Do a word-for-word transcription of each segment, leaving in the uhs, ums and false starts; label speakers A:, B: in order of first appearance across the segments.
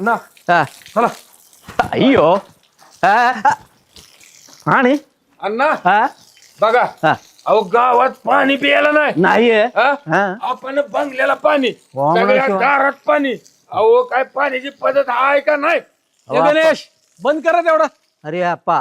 A: अण्णा
B: हा.
A: चला.
B: अय्यो हा, हा. आणि
A: अण्णा
B: हा
A: बघा
B: हा.
A: अहो गावात पाणी प्यायला नाही
B: नाहीये
A: हा?
B: हा.
A: आपण बंगल्याला पाणी
B: वा, मला
A: सगळ्या
B: शिवा.
A: दारात पाणी अहो काय पाण्याची पद्धत आहे का नाही
B: अहो, आपण-
A: गणेश बंद करा तेवढा
B: अरे अप्पा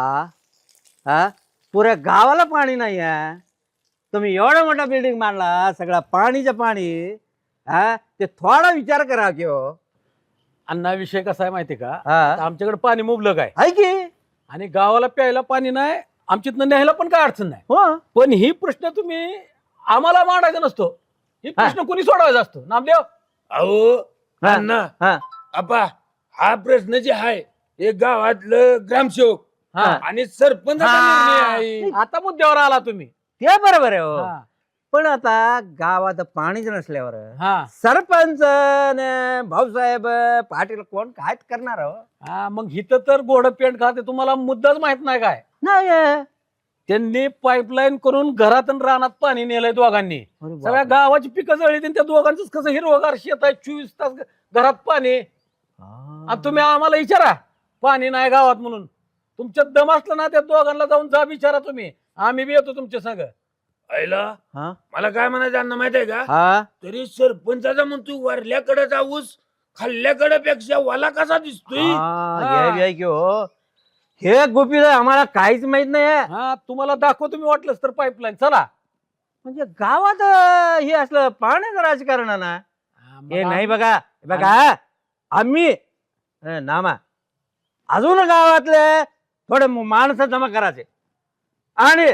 B: हा पुऱ्या गावाला पाणी नाही आहे तुम्ही एवढा मोठा बिल्डिंग मांडला सगळा पाणीचं पाणी हा ते थोडा विचार करा की हो
A: अण्णा विषय कसा आहे माहिती का
B: हा.
A: आता आमच्याकडे पाणी मुबलक आहे
B: आहे की
A: आणि गावाला प्यायला पाणी नाही आमच्यातनं न्यायला पण काय अडचण नाही
B: हो
A: पण ही प्रश्न तुम्ही आम्हाला मांडायचा नसतो ही प्रश्न कोणी सोडवायचा असतो नामदेव अहो
B: हा.
A: अण्णा
B: हा
A: आपा हा प्रश्न जे आहे हे गावातलं ग्रामसेवक
B: हा.
A: आणि सरपंचाचा
B: हा.
A: निर्णय आहे आता मुद्द्यावर आला तुम्ही
B: ते बरोबर आहे हो
A: हा.
B: पण आता गावात पाणीच नसल्यावर
A: हा
B: सरपंच न भाऊसाहेब पाटील कोण काय करणार हो
A: हा, मग हिथं तर गोड पेंट खाते तुम्हाला मुद्दाच माहित नाही काय
B: नाही आहे.
A: त्यांनी पाईपलाईन करून घरात आणि रानात पाणी नेलंय दोघांनी
B: अरे बापरे.
A: सगळ्या गावाची पिकं जळली आणि त्या दोघांच कसं हिरवगार शेत आहे चोवीस तास घरात पाणी
B: हा.
A: आणि तुम्ही आम्हाला विचारा पाणी नाही गावात म्हणून तुमच्यात दम असलं ना त्या दोघांना जाऊन जा विचारा तुम्ही आम्ही बी येतो तुमच्या संग आईला
B: हा?
A: मला काय म्हणायचं अण्णा माहित आहे का
B: हा
A: तरी सरपंचाचा म्हणतो वरल्याकडे ऊस खाल्ल्याकडे पेक्षा वाला कसा दिसतोय
B: हा,
A: हा.
B: हे बी आहे की हो हे गोपी आम्हाला काहीच माहित नाही आहे.
A: हा तुम्हाला दाखव तुम्ही वाटलंच तर पाईपलाईन चला
B: म्हणजे गावात अं, हे असलं पाण्याचं राजकारण आहे ना हे नाही बघा हे बघा आम्ही अं, नामा अजून गावातले थोडे माणसं जमा करायचे आणि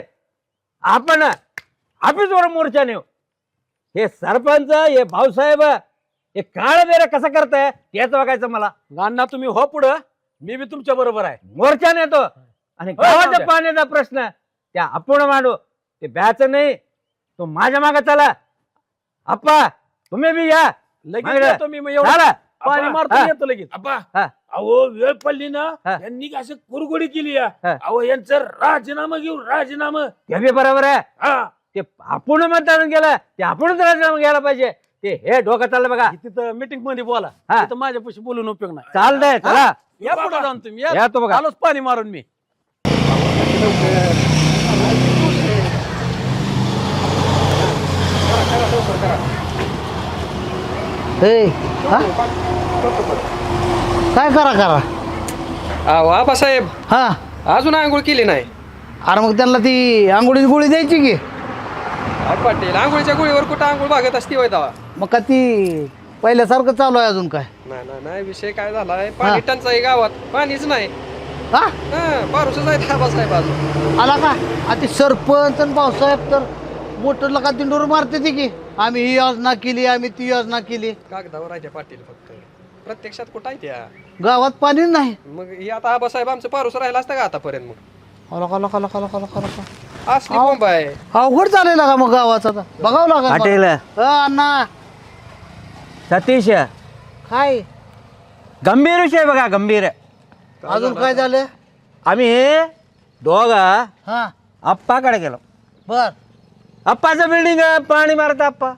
B: आपण ऑफिसवर मोर्चा नेऊ हे सरपंच हे भाऊसाहेब हे काळ बेर कसं करताय त्याच बघायचं मला
A: अण्णा तुम्ही हो पुढं मी बी तुमच्या बरोबर आहे
B: मोर्चा नेतो आणि
A: हो, जाऊ
B: गावाच्या
A: द्या.
B: पाण्याचा प्रश्न त्या आपण मांडू ते ब्याच नाही तो माझ्या मागे चला आप्पा तुम्ही बी या
A: लगेच
B: मागं.
A: येतो मी मग एवढं
B: चला.
A: पाणी
B: हा.
A: मारतो येतो लगेच
B: हा.
A: अहो वेळ पडली ना
B: हा.
A: यांनी असं कुरगुडी केली या.
B: हा.
A: अहो यांचं राजीनामा घेऊ राजीनामा
B: ते बी बरोबर आहे
A: हा
B: ते आपण मतदान केलं ते आपणच राजीनामा घ्यायला पाहिजे ते हे डोकं चाललं बघा
A: तिथं मीटिंग मध्ये बोला
B: हा.
A: तिथं माझ्यापाशी बोलून उपयोग नाही
B: चालतंय चला
A: या पुढे जाऊन तुम्ही
B: या तो बघा.
A: आलोच पाणी मारून मी
C: ए, हा? काय करा करा
D: अहो आबासाहेब
C: हा
D: अजून आंघोळ केली नाही
C: अरे मग त्यांना ती आंघोळीची गोळी द्यायची की
D: अहो पाटील आंघोळीच्या गोळीवर कुठं आंघोळ भागत असती होय दावा
C: मग का ती पहिल्यासारखं चालू आहे अजून काय
D: नाही नाही नाही विषय काय झालाय पाणी टंचाई गावात पाणीच नाही
C: हा
D: हा पारुसच आहेत आबासाहेब अजून
C: आला का आता सरपंच आणि भाऊसाहेब तर मोटर लका दिंडोर मारते ती की आम्ही ही योजना केली आम्ही ती योजना केली
D: कागदावर आहे त्या पाटील फक्त प्रत्यक्षात कुठं आहे त्या
C: गावात पाणी नाही
D: मग ही आता आबासाहेब आमचं पारुस राहिला असतं का आतापर्यंत मग
C: आला का लका लका लका लका लका
D: असली बोंब आहे
C: अवघड चालेल का मग गावाचा आता बघावं लागेल
B: पाटील
C: मला. हा, अण्णा
B: सतीश
C: काय
B: गंभीर विषय बघा गंभीर
C: अजून काय झालं
B: आम्ही दोघा
C: हा
B: आप्पाकडे गेलो
C: बर
B: आप्पाचं बिल्डिंग पाणी मारत आप्पा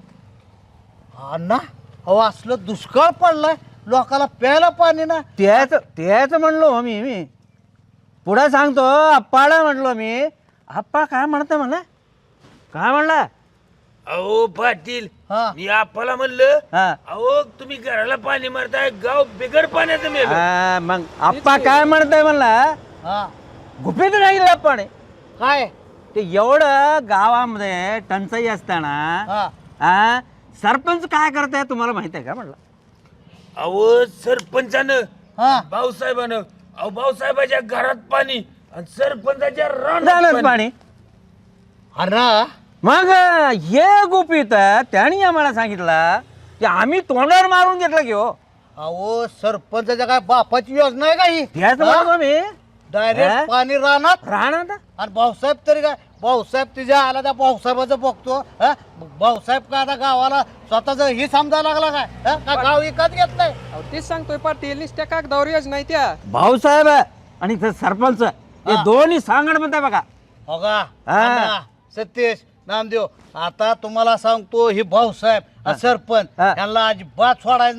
C: अण्णा अहो असलं दुष्काळ पडलाय लोकाला प्यायला पाणी ना
B: त्याच त्याच म्हणलो मी मी पुढे सांगतो आप्पाला म्हणलो मी आप्पा काय म्हणता म्हणला काय म्हणला
A: अहो पाटील
C: हा
A: मी आपल्याला म्हणलं
B: हा
A: अहो तुम्ही घराला पाणी मारताय गाव बिगर पाण्याचं मेलं
B: हा, मग आप्पा काय म्हणताय म्हणला
C: हा
B: गुपित राहील पाणी
C: काय
B: ते एवढं गावामध्ये टंचाई असताना
C: हा
B: हा सरपंच काय करताय तुम्हाला माहित आहे का म्हणलं
A: अहो सरपंचानं
C: हा
A: भाऊसाहेबानं अहो भाऊसाहेबाच्या घरात पाणी आणि सरपंचाच्या रानात
B: झालंच
A: पाणी
B: पाणी
C: अण्णा
B: मग हे गुपित त्यांनी आम्हाला सांगितलं की आम्ही तोंडावर मारून घेतलं की हो
C: अहो सरपंचाच्या काय बापाची योजना आहे का ही
B: त्याच म्हणतो मी
C: डायरेक्ट
B: हा?
C: पाणी राहणार
B: राहणार
C: आणि भाऊसाहेब तरी काय भाऊसाहेब तुझ्या आला त्या भाऊसाहेबाचं बघतो हा? मग भाऊसाहेब का आता गावाला स्वतःच ही समजायला लागला काय हा? का गाव विकत घेतलंय
D: अहो तेच सांगतोय पाटील नुसत्या कागदावर योजना आहे त्या
B: भाऊसाहेब आणि ते सरपंच हे
C: हा.
B: दोन्ही सांगण म्हणताय बघा
C: हो का
B: हा.
C: अण्णा, सतीश नामदेव आता तुम्हाला सांगतो ही भाऊसाहेब आणि सरपंच
B: हा.
C: यांना अजिबात सोडायचं नाही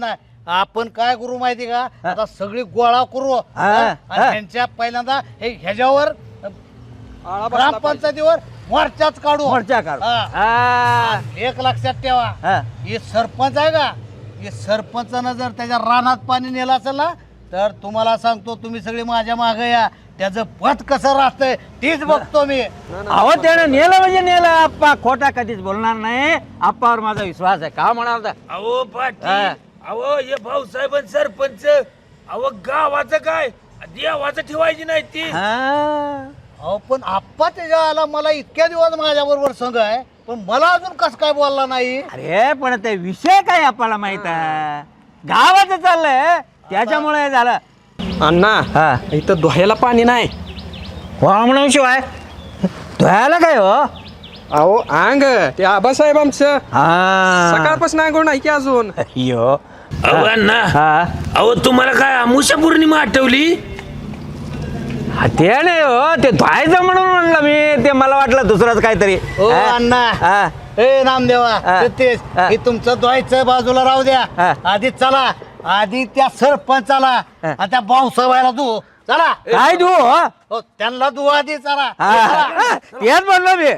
C: आपण काय करू माहिती का आता सगळी गोळा करू
B: हा,
C: हा? आणि
B: हा.
C: ह्यांच्या पहिल्यांदा हे ह्याच्यावर
D: आळा बसला पाहिजे.
C: ग्रामपंचायतीवर मोर्चाच काढू
B: मोर्चा काढू.
C: हा.
B: हा.
C: एक लक्षात ठेवा
B: हा.
C: हे सरपंच आहे का हे सरपंचानं जर त्याच्या रानात पाणी नेलं असेल ना तर तुम्हाला सांगतो तुम्ही सगळे माझ्या मागे या त्याचं पद कसं राहतंय तीच बघतो मी
B: अहो त्यानं नेलं म्हणजे नेलं आप्पा खोटा कधीच बोलणार नाही आप्पावर माझा विश्वास आहे का म्हणाल तर
E: अहो
B: हा.
E: पाटील अहो हे भाऊसाहेब आणि सरपंच अहो गावाचं काय देवाचं ठेवायची नाही ती
B: हा.
C: अहो पण आप्पा त्याच्या आला मला इतक्या दिवस माझ्या बरोबर संघ आहे पण मला अजून कस काय बोलला नाही
B: अरे पण ते विषय काय आपल्याला माहित आहे गावाचं चाललंय त्याच्यामुळे हे झालं
D: अण्णा
B: हा
D: इथं धुवायला पाणी नाही
B: म्हणून शिवाय धुवायला काय हो
D: अहो अंग ते आबासाहेब आमचं
B: हा
D: सकाळपासून अंघोळ नाही की अजून
B: यो
E: अहो अण्णा
B: हा
E: अहो तुम्हाला काय अमुषा पौर्णिमा आठवली
B: हा, ते नाही हो ते धुवायचं म्हणून म्हणलं मी ते मला वाटलं दुसरंच काहीतरी
C: ओ
B: हा?
C: अण्णा
B: हा.
C: ए नामदेवा
B: हा.
C: ते तेच
B: हा.
C: हे तुमचं द्वायचं बाजूला राहू द्या
B: हा.
C: आधी चला आधी त्या सरपंचाला
B: हा.
C: आणि त्या भाऊसाहेबाला तू चला
B: काय देऊ हो
C: हो त्यांना तू आधी चला
B: हा. तेच म्हणलं मी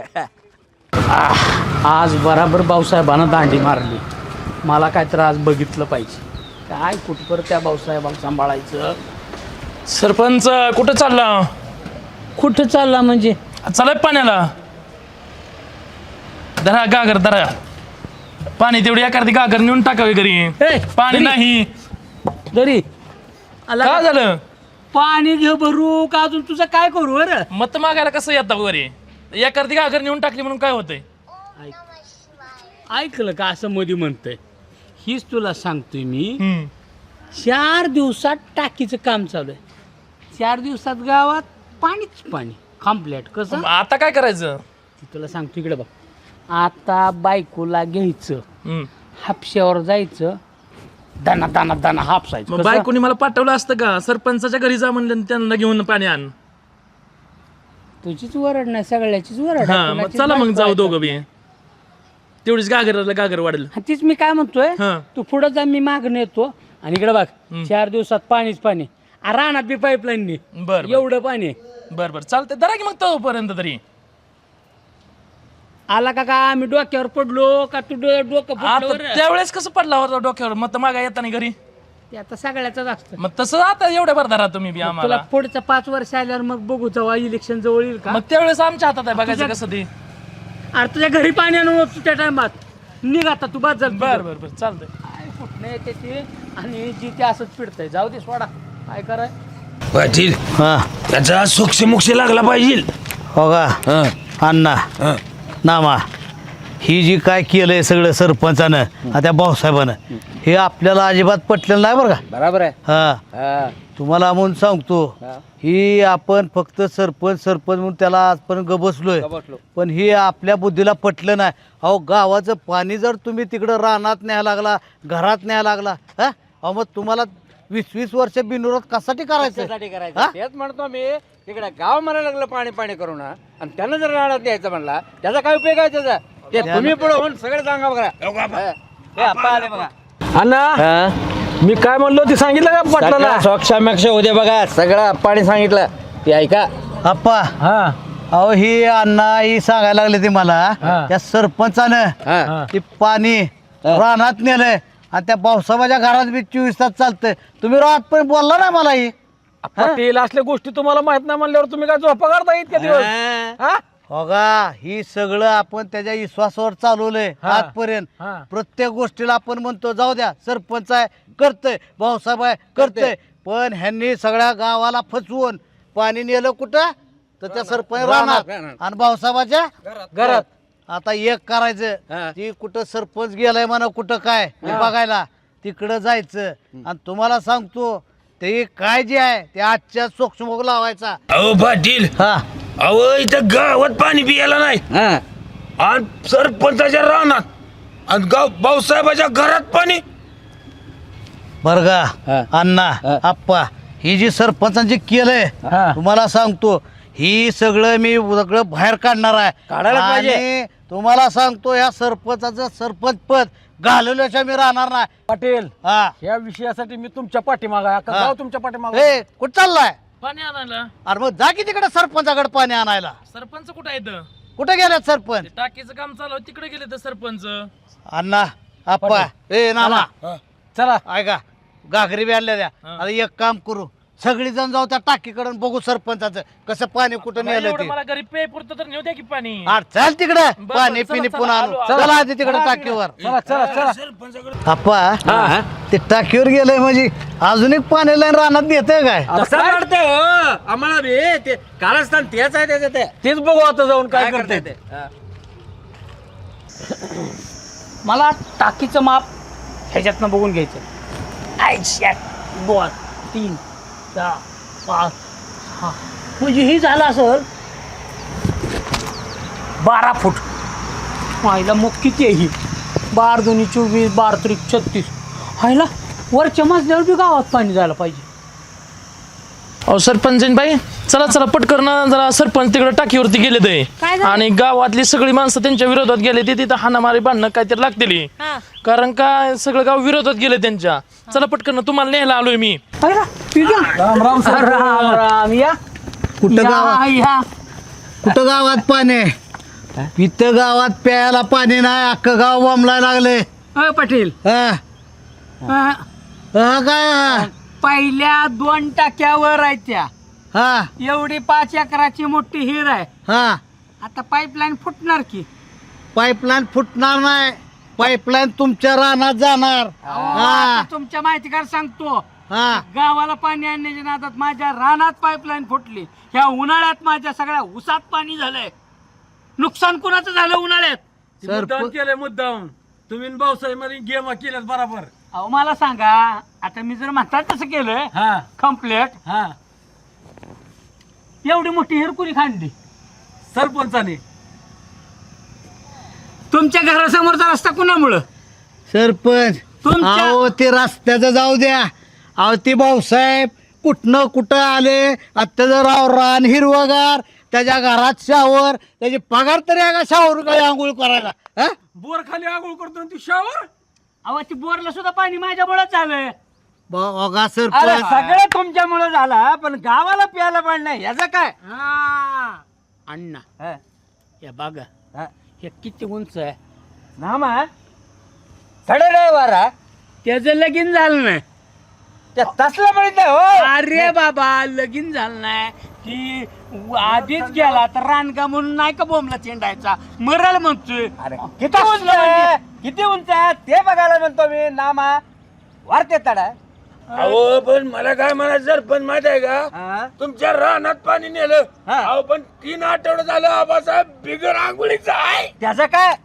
A: आज बराबर भाऊसाहेबानं दांडी मारली मला काय तर आज बघितलं पाहिजे काय कुठपर त्या भाऊसाहेबाला सांभाळायचं.
F: सरपंच कुठं चालला
A: कुठं चालला म्हणजे
F: चालाय पाण्याला धरा गागर धरा पाणी तेवढी एखादी गागर नेऊन टाकावी घरी
A: ए,
F: पाणी
A: घरी?
F: नाही
A: दरी आला
F: काय झालं
A: पाणी घे भरू का अजून तुझं काय करू बरं
F: मत मागायला कसं येतं घरी एखादी गागर नेऊन टाकली म्हणून काय होतंय
A: ऐकलं का असं मध्ये म्हणतंय हीच तुला सांगतोय मी
F: हम्म.
A: चार दिवसात टाकीचं काम चालू आहे चार दिवसात गावात पाणीच पाणी कम्प्लेट कसं
F: आता काय करायचं
A: ती तुला सांगतो इकडे बघ आता बायकोला घ्यायचं
F: हम्म.
A: हापश्यावर जायचं दाना दाना दाना हापसायचं
F: मग
A: कसं?
F: बायकोनी मला पाठवलं असतं का सरपंचाच्या घरी जा म्हणलं आणि त्यांना घेऊन पाणी आण
A: तुझीच वरड नाही सगळ्याचीच वरड
F: हा
A: आहे.
F: मग
A: कोणाचीच
F: चला मग
A: बायको
F: जाऊ
A: आहे
F: दोघं बी तेवढीच गागरला गागर वाढेल
A: हा, तीच मी काय म्हणतोय
F: हा.
A: तू पुढं जा मी मागणं येतो आणि इकडे बघ चार दिवसात पाणीच पाणी आ, रानात बी पाईपलाईननी
F: बर बर
A: एवढं पाणी आहे.
F: बर बर चालतंय धरा की मग तोपर्यंत तरी
A: आला का का आम्ही डोक्यावर पडलो का तू डो- डोकं
F: आता
A: फुटलं बरं?
F: त्यावेळेस कसं पडला होता डोक्यावर मग तर मागा येताना घरी
A: ते आता सगळ्याच असतं
F: मग तसं आता एवढ्या भर धरा तुम्ही बी
A: तुला
F: आम्हाला
A: पुढचं पाच वर्ष आल्यावर मग बघू जेव्हा इलेक्शन जवळ येईल का
F: मग त्यावेळेस आमच्या हातात आहे बघायचं
A: तुझ्या-
F: कसं ते
A: अरे तुझ्या घरी पाणी आणून त्या टायमात निघ आता तू बाद झालं
F: बर बर बर चालतंय
A: काय फुटणं येते ते आणि जी ते असंच पिडतंय जाऊ दे सोडा काय कराय
E: पाटील
C: हा
E: त्याचा सोक्ष मोक्ष लागला पाहिजे
C: हो का
E: हा,
C: अण्णा
E: हा.
C: नामा ही जी काय केलंय सगळं सरपंचानं आणि त्या भाऊसाहेबानं हे आपल्याला अजिबात पटलेलं नाही बरं का
B: बरोबर आहे
C: हा
B: हा.
C: तुम्हाला म्हणून सांगतो ही आपण फक्त सरपंच सरपंच म्हणून त्याला आजपर्यंत गबसलोय
B: बसलो.
C: पण हे आपल्या बुद्धीला पटलं नाही अहो गावाचं पाणी जर तुम्ही तिकडं रानात न्यायला लागला घरात न्यायला लागला हा अहो मग तुम्हाला वीस वीस वर्ष बिनविरोध कशासाठी करायचं
B: कशासाठी करायचं
C: हा?
B: तेच म्हणतो मी तिकडे गाव म्हणायला लागलं पाणी पाणी करू ना आणि त्यानं जर राहण्यात द्यायचं म्हणला त्याचा काय उपयोग आहे त्याचा ते तुम्ही पुढे होऊन सगळे सांगा बघा हा. हे आप्पा आले बघा
A: अण्णा मी काय म्हणलो ते सांगितलं का पटला
B: सोक्षामेक्ष होते बघा सगळं आप्पाने सांगितलं ते ऐका
C: आप्पा
A: हा
C: अहो ही अण्णा ही सांगायला लागले ते मला
A: हा.
C: त्या सरपंचानं
B: हा.
C: ते पाणी रानात नेलंय आणि त्या भाऊसाहेबाच्या घरात बी चोवीस तास चालतंय तुम्ही रात पण बोलला ना मला ही
A: पाटील असल्या गोष्टी तुम्हाला माहित नाही म्हणल्यावर तुम्ही काय झोपा काढता इतक्या दिवस हा?
C: हो का ही सगळं आपण त्याच्या विश्वासावर चालवलंय
A: हा.
C: आजपर्यंत
A: हा.
C: प्रत्येक गोष्टीला आपण म्हणतो जाऊ द्या सरपंच आहे करतय भाऊसाहेब आहे करतय पण ह्यांनी सगळ्या गावाला फसवून पाणी नेलं कुठं तर त्या सरपंच राहणार आणि भाऊसाहेबाच्या घरात आता एक
B: हा.
C: करायचं ती कुठं सरपंच गेलाय म्हणा कुठं काय हे बघायला तिकडं जायचं आणि तुम्हाला सांगतो ते काय जे आहे ते आजच्या सोक्षमोग लावायचा
E: अहो पाटील
C: हा
E: अहो इथं गावात पाणी पियाला नाही
B: हा.
E: आणि सरपंचाच्या रानात आणि गाव भाऊसाहेबाच्या घरात पाणी
C: बर
B: हा.
C: का अण्णा
B: हा.
C: आप्पा ही जी सरपंचांची केलंय
A: हा.
C: तुम्हाला सांगतो ही सगळं मी सगळं बाहेर काढणार आहे
B: काढायला पाहिजे.
C: आणि तुम्हाला सांगतो या सरपंचाचं सरपंच पद घालवल्याशिवाय मी राहणार नाही.
A: पाटील
C: हा
A: या विषयासाठी मी तुमच्या पाठीमागा आहे. अख्खं
C: हा.
A: गाव तुमच्या पाठीमागा
C: ए कुठं चाललाय?
F: पाणी आणायला
C: अरे मग जा की तिकडे सरपंचाकडे पाणी आणायला.
F: सरपंच कुठं आहेत
C: कुठे गेल्यात सरपंच?
F: टाकीचं काम चालू आहे, तिकडे गेले तर सरपंच.
C: अण्णा आप्पा ए नाना
A: चला
C: ऐका घागरी बी आणल्या द्या.
F: हा.
C: आता एक काम करू सगळी जण जाऊ त्या टाकीकडे आणि बघू सरपंचाचं कसं पाणी कुठं नेलं
F: एवढं
C: ते.
F: मला घरी पे पुरतं तर नेऊ द्या की पाणी.
C: अरे चल तिकडे
F: बरं,
C: पाणी
F: चला,
C: पिणी
F: चला,
C: पुन्हा
F: आलो,
C: आणू.
F: आलो.
C: चला आधी तिकडे टाकीवर.
A: चला चला चला
E: सरपंचाकडे
C: आप्पा ते टाकीवर गेलंय म्हणजे अजून एक पाणी लाईन रानात येतंय काय?
B: तसं वाटतंय हो आम्हाला बी ते कारस्थान तेच आहे त्याचं ते
A: तेच बघू आता जाऊन काय करते
B: ते हा.
G: मला टाकीचं माप ह्याच्यातनं बघून घ्यायचं. आयशा दोन तीन चार पाच सहा म्हणजे हे झालं असेल बारा फूट. व्हायला मग किती आहे ही? बार दोन्ही चोवीस बार त्रिक छत्तीस. व्हायला वरच्या मजल्यावर बी गावात पाणी जायला पाहिजे.
F: अहो सरपंच बाई चला चला पटकन जरा सरपंच तिकडे टाकीवरती गेले ते
H: काय झालं?
F: आणि गावातली सगळी माणसं त्यांच्या विरोधात गेले ते तिथं हाणामारी भांडणं काहीतरी लागतील.
H: हा.
F: कारण का सगळं गाव विरोधात गेले त्यांच्या. चला पटकन तुम्हाला न्यायला आलोय मी.
G: व्हायला ठीक आहे.
A: राम राम सर
G: राम राम या
C: कुठं
G: या,
C: गावात
G: या
C: कुठं गावात पाणी आहे? इथं गावात प्यायला पाणी नाही अख्खं गाव बोंबलायला लागले.
G: अ, पाटील
C: हा
G: अ,
C: हा काय
G: पहिल्या दोन टाक्यावर आहे त्या.
C: हा
G: एवढी पाच एकराची मोठी हिर आहे.
C: हा
G: आता पाईपलाईन फुटणार की.
C: पाईपलाईन फुटणार नाही. पाईपलाईन तुमच्या रानात जाणार.
G: अहो,
C: हा
G: आता तुमच्या माहितीकार सांगतो.
C: हा
G: गावाला पाणी आणण्याच्या नादात माझ्या रानात पाईपलाईन फुटली. ह्या उन्हाळ्यात माझ्या सगळ्या उसात पाणी झालंय. नुकसान कुणाचं झालं उन्हाळ्यात?
A: मुद्दाम
C: सरप
A: केलंय मुद्दाम तुम्ही भाऊसाहेब मध्ये गेम केल्यात बरोबर.
G: अहो मला सांगा आता मी जर म्हणतात तसं केलं
A: हा
G: कम्प्लेट
A: हा
G: एवढी मोठी हिर कुणी खांदली?
A: सरपंचाने.
G: तुमच्या घरासमोरचा रस्ता कुणामुळं?
C: सरपंच
G: तुमच्या-
C: अहो ते रस्त्याचं जाऊ द्या. अहो ते भाऊसाहेब कुठनं कुठं आले. त्याचं राव रान हिरवगार त्याच्या घरात शावर त्याची पगार तरी आहे का शावर काय आंघोळ करायला? हा?
A: बोर खाली आगोळ करतो आणि तू शावर.
G: अहो ती बोरला सुद्धा पाणी माझ्यामुळेच झालंय.
C: बघा
B: अरे
C: सरपंच
B: सगळं तुमच्यामुळे झालं पण गावाला प्यायला पाणी नाही याचं काय?
G: हा. अण्णा
B: हा.
G: हे बघा
B: हा.
G: हे किती उंच आहे.
B: नामा सडे ड्रायव्हर
G: त्याचं लगीन झालं नाही.
B: त्या तसलं म्हणत नाही हो.
G: अरे बाबा लगीन झालं नाही की आधीच गेला तर रानगा म्हणून नाही का बोंबला चेंडायचा मरल म्हणतोय.
B: अरे किती उंच आहे किती उंच आहे ते बघायला म्हणतो मी. नामा वारते तडा
E: अहो पण मला काय म्हणायचं सरपंच माहित आहे का
B: हा.
E: तुमच्या रानात पाणी नेलं.
B: हा.
E: अहो पण तीन आठवडे झालं आबासाहेब बिगर आंघोळीचा आहे.
B: त्याचं काय?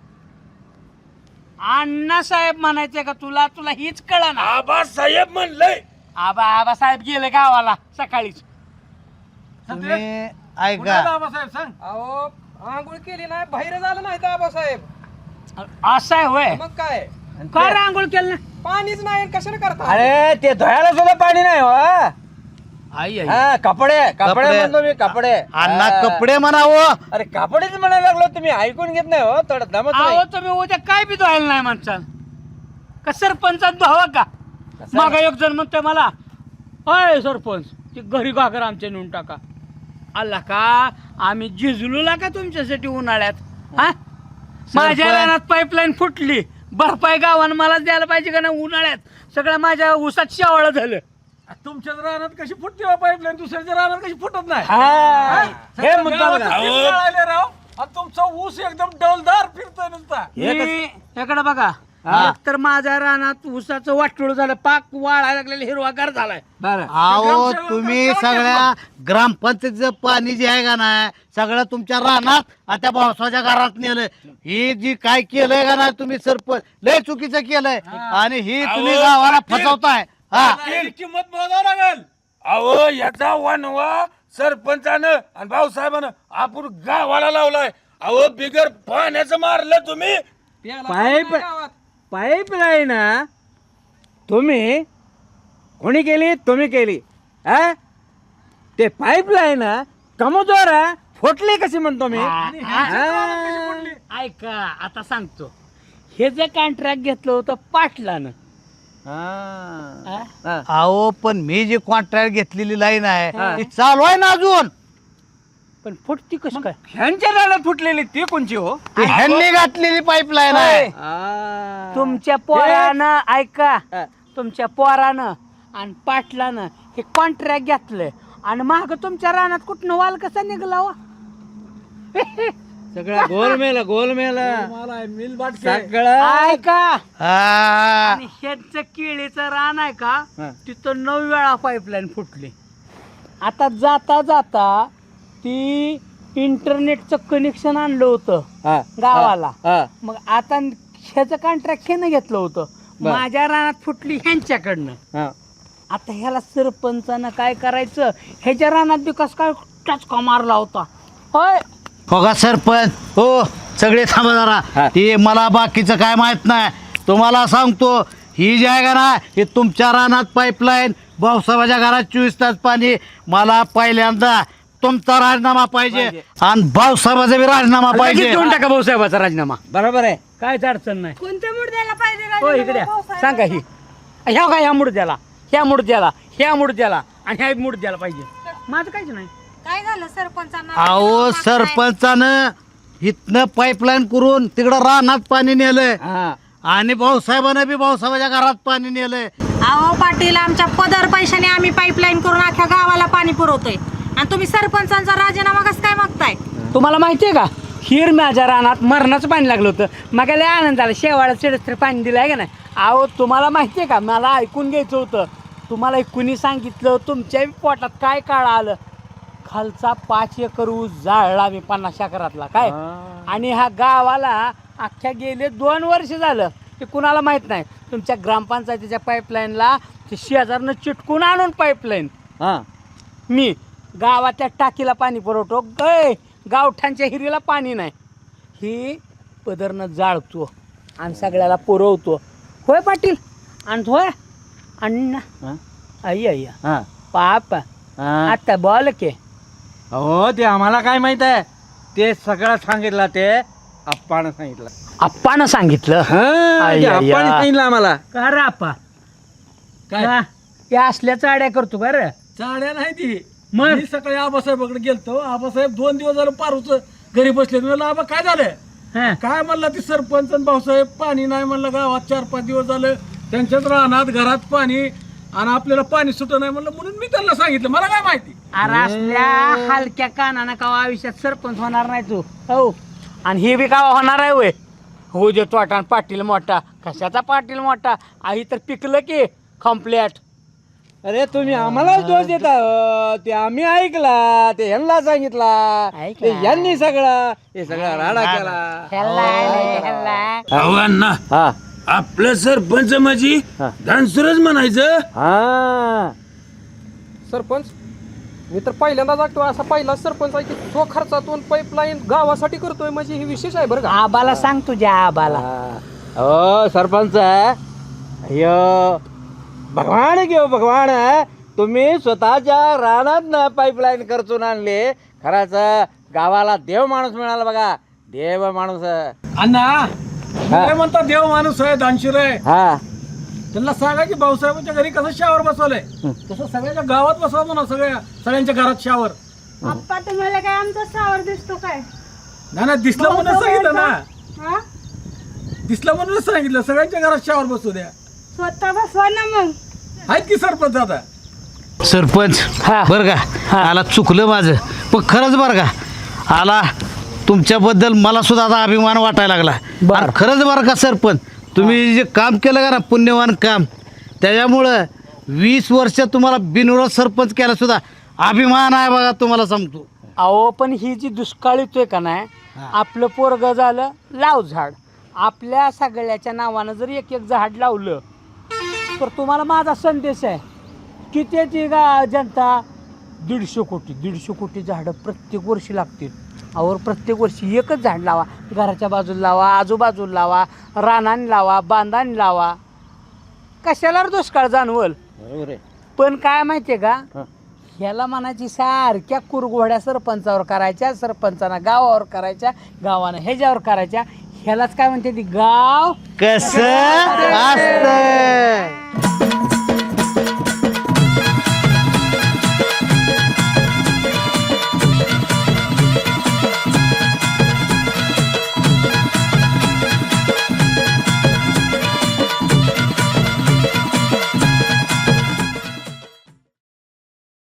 G: अण्णा साहेब म्हणायचे का तुला तुला हीच कळा ना.
E: आबासाहेब म्हणलंय.
G: आबा आबा साहेब गेले गावाला सकाळीच.
C: तुम्ही
A: कुणाला
C: ऐका
A: आबासाहेब सांग.
D: अहो आंघोळ केली नाही बाहेर झालं नाही तर आबासाहेब.
G: असं आहे होय.
D: मग काय
G: का रे आंघोळ केलं नाही?
D: पाणीच नाही कशाने करता?
B: अरे ते धुवायला सुद्धा पाणी नाही हो.
G: आई आई
B: हा कपडे कपडे
C: कपडे.
B: म्हणतो मी कपडे.
C: अण्णा
B: हा.
C: कपडे म्हणावं.
B: अरे कपडेच म्हणायला लागलो तुम्ही ऐकून घेत नाही हो थोडं दमत नाही.
G: अहो तुम्ही उद्या काय बी धुवायला नाही म्हणसाल का सरपंचात धुवा का? माग एक जण म्हणतोय मला अय सरपंच ते घरी घागर आमच्या नेऊन टाका. आला का आम्ही झिजलूला का तुमच्यासाठी उन्हाळ्यात? हा माझ्या रानात पाईपलाईन फुटली भरपाई गावानं मलाच द्यायला पाहिजे का नाही? उन्हाळ्यात सगळं माझ्या उसात शेवाळं झालं.
A: तुमच्याच रानात कशी फुटते पाईपलाईन दुसऱ्याच्या रानात कशी फुटत नाही.
B: हा. हे मुद्दा
A: गावात
B: बघा.
A: तीन जळाले राव आणि तुमचा ऊस एकदम डौलदार फिरतोय नुसता.
G: इकडे बघा एक तर माझ्या रानात उसाचं वाटोळ झालं पाक वाळायला लागलेलं हिरवागार झालाय.
B: बरं
C: अहो तुम्ही सगळ्या ग्रामपंचायतीचं पाणी जे आहे का नाही सगळं तुमच्या रानात आणि त्या पावसाच्या घरात नेलं. ही जी काय केलंय का नाही तुम्ही सरपंच लय चुकीचं केलंय आणि ही तुम्ही
E: अहो,
C: गावाला
E: पाटील.
C: फसवताय. हा
A: त्याची किंमत मोजावं लागेल.
E: अहो याचा वनवा सरपंचानं आणि भाऊसाहेबानं आपण गावाला लावलाय. अहो बिगर पाण्याचं मारलं तुम्ही.
B: पाईप पाईपलाईन तुम्ही कोणी केली? तुम्ही केली. हा ते पाईपलाईन कमजोर आहे फुटली कशी म्हणतो मी
G: ऐका आता सांगतो. हे जे कॉन्ट्रॅक्ट घेतलं होतं पाटलानं,
B: हा.
G: हा?
C: अहो पण मी जी कॉन्ट्रॅक्ट घेतलेली लाईन आहे ती चालू आहे ना अजून.
G: पण फुटती कसं काय?
B: ह्यांच्या रानात फुटलेली ती कोणची हो
C: ती ह्यांनी घातलेली पाईपलाईन आहे.
B: आ.
G: तुमच्या पोरानं ऐका,
B: हा.
G: तुमच्या पोरानं आणि पाटलानं हे कॉन्ट्रॅक्ट घेतलंय आणि माग तुमच्या रानात कुठनं वाल कसा निघला वा?
B: सगळा गोलमेल गोलमेल
A: मला मिल बाटके
B: सगळं
G: ऐका,
C: हा.
G: आणि ह्याचं केळीचं रान आहे का,
B: हा.
G: तिथं नऊ वेळा पाईपलाईन फुटली. आता जाता जाता ती इंटरनेटचं कनेक्शन आणलं होतं
B: हा.
G: गावाला.
B: हा.
G: मग आता ह्याचं कॉन्ट्रॅक्ट ह्यानं घेतलं होतं,
B: बर.
G: माझ्या रानात फुटली ह्यांच्याकडनं.
B: हा.
G: आता ह्याला सरपंचानं काय करायचं, ह्याच्या रानात बी कस काय टचका मारला होता होय.
C: हो का सरपंच, हो सगळे थांबा
B: हा.
C: जरा. ते मला बाकीचं काय माहित नाही. तुम्हाला सांगतो, ही जी आहे का ना, ही तुमच्या रानात पाईपलाईन, भाऊसाहेबाच्या घरात चोवीस तास पाणी. मला पहिल्यांदा तुमचा राजीनामा पाहिजे आणि भाऊसाहेबाचा बी राजीनामा
G: लगेच
C: पाहिजे.
G: देऊन टाका भाऊसाहेबाचा राजीनामा,
B: बरोबर आहे.
G: कायच अडचण नाही.
H: कोणत्या मुद्द्याला पाहिजे
G: हो
H: राजीनामा
G: इकडे
H: भाऊसाहेब?
G: सांगा. ही ह्या का ह्या मुडद्याला, ह्या मुडद्याला, ह्या मुडद्याला आणि ह्या मुडद्याला पाहिजे. माझं काहीच नाही.
H: काय झालं सरपंचांना?
C: अहो सरपंचानं इथनं पाईपलाईन करून तिकडं रानात पाणी नेलंय
B: हा.
C: आणि भाऊसाहेबानं बी भाऊसाहेबाच्या घरात पाणी नेलंय.
H: अहो पाटील, आमच्या पदर पैशाने आम्ही पाईपलाईन करून अख्ख्या गावाला पाणी पुरवतोय आणि तुम्ही सरपंचांचा राजीनामा कसं काय मागताय?
G: तुम्हाला माहितीये का, हिर माझ्या रानात मरणाचं पाणी लागलं होतं. मग लय आनंद झाला, शेवाळा चिडस्तर पाणी दिलं आहे का नाही. अहो तुम्हाला माहितीये का, मला ऐकून घ्यायचं होतं. तुम्हाला कुणी सांगितलं, तुमच्या पोटात काय काळ आलं. खालचा पाच एकर ऊस जाळला मी पन्नास एकरातला काय. आणि ह्या गावाला अख्ख्या गेले दोन वर्ष झालं ते कुणाला माहित नाही. तुमच्या ग्रामपंचायतीच्या पाईपलाईनला ते शेजारनं चिटकून आणून पाईपलाईन
B: हा.
G: मी गावाच्या टाकीला पाणी पुरवतो. गय गावठांच्या हिरीला पाणी नाही, ही पदरनं जाळतो आणि सगळ्याला पुरवतो. होय पाटील आणि होय अण्णा.
B: हा.
G: आई आई
B: हा.
G: पाप
B: हा.
G: आता बोल के.
B: हो ते आम्हाला काय माहित आहे, ते सगळं सांगितलं ते आप्पानं सांगितलं.
G: आप्पानं सांगितलं.
B: हा,
G: आई,
B: ते
G: आई,
B: आप्पानं
G: आई.
B: सांगितलं आम्हाला.
G: का रे आप्पा,
A: काय
G: का? या असल्या चाड्या करतो का रे?
A: चाड्या नाही ती.
G: मग?
A: मी सकाळी आबासाहेबाकडे गेलतो. आबासाहेब दोन दिवस झालं पारूच घरी बसले. मी म्हणलं आबा काय झालं,
G: हा.
A: काय म्हणला ती सरपंच आणि भाऊसाहेब पाणी नाही म्हणलं गावात. चार पाच दिवस झालं त्यांच्याच रानात घरात पाणी आणि आपल्याला पाणी सुट नाही म्हणलं, म्हणून मी त्यांना सांगितलं. मला काय माहिती.
G: अरे असल्या हलक्या कानानं का आयुष्यात सरपंच होणार नाही तू. हो, आणि हे बी का होणार आहे वय. हो जे तोटा आणि पाटील मोठा. कशाचा पाटील मोठा, आई तर पिकलं की कम्प्लेट.
B: अरे तुम्ही आम्हालाच दोष देता हो. ते आम्ही ऐकला, ते ह्यांना सांगितला,
G: ऐकला.
B: ते ह्यांनी सगळा हे सगळा राडा केला.
G: ह्याला ह्याला
E: अहो अण्णा,
B: हा.
E: आपलं सरपंच माझी
B: हा.
E: धानसुरच म्हणायचं.
B: हा.
D: सरपंच, मी तर पहिल्यांदाच ऐकतो असा पहिला सरपंच आहे की तो खर्चातून पाईपलाईन गावासाठी करतोय, म्हणजे हे विशेष आहे बरं का.
G: आबाला सांग तुझ्या आबाला.
B: हो सरपंच, यो भगवान घेऊ भगवान, तुम्ही स्वतःच्या रानात ना पाईपलाईन खर्चून आणले. खराच गावाला देव माणूस मिळाला बघा, देव माणूस.
A: अण्णा काय म्हणतात, देव माणूस आहे, दानशीर आहे.
B: हा.
A: त्यांना सांगा की भाऊसाहेबांच्या घरी कसं शावर बसवलंय तसं सगळ्याच्या गावात बसवा म्हणा. सगळ्या सगळ्यांच्या घरात शावर.
H: आप्पा तुम्हाला काय आमचा सावर दिसतो काय?
A: ना ना दिसलं म्हणून सांगितलं ना,
H: हा?
A: दिसलं म्हणूनच सांगितलं. सगळ्यांच्या घरात शावर बसू द्या.
H: स्वतः बसवा ना मग.
A: आहेत की सरपंच आता.
C: सरपंच
G: हा.
C: बरं का, आला चुकलं माझं, पण खरंच बरं का, आला तुमच्याबद्दल मला सुद्धा आता अभिमान वाटायला लागला.
G: बरं.
C: आणि खरंच बरं का सरपंच, तुम्ही जे काम केलं का ना, पुण्यवान काम, त्याच्यामुळं वीस वर्ष तुम्हाला बिनविरोध सरपंच केला सुद्धा अभिमान आहे बघा, तुम्हाला सांगतो.
G: अहो पण ही जी दुष्काळ येतोय का नाही, आपलं पोरग झालं लाव झाड. आपल्या सगळ्याच्या नावानं जर एक एक झाड लावलं तर तुम्हाला माझा संदेश आहे, कितीची गा जनता, दीडशे कोटी दीडशे कोटी झाडं प्रत्येक वर्षी लागतील. अहो प्रत्येक वर्षी एकच झाड लावा. घराच्या बाजूला लावा, आजूबाजूला लावा, रानाने लावा, बांधाने लावा. कशाला रे दुष्काळ जाणवल.
B: बरोबर आहे.
G: पण काय माहितीये का, ह्याला म्हणायची सारख्या कुरघोड्या सरपंचावर करायच्या, सरपंचानं गावावर करायच्या, गावानं ह्याच्यावर करायच्या. ह्यालाच काय म्हणते ती गाव
C: कसं असतं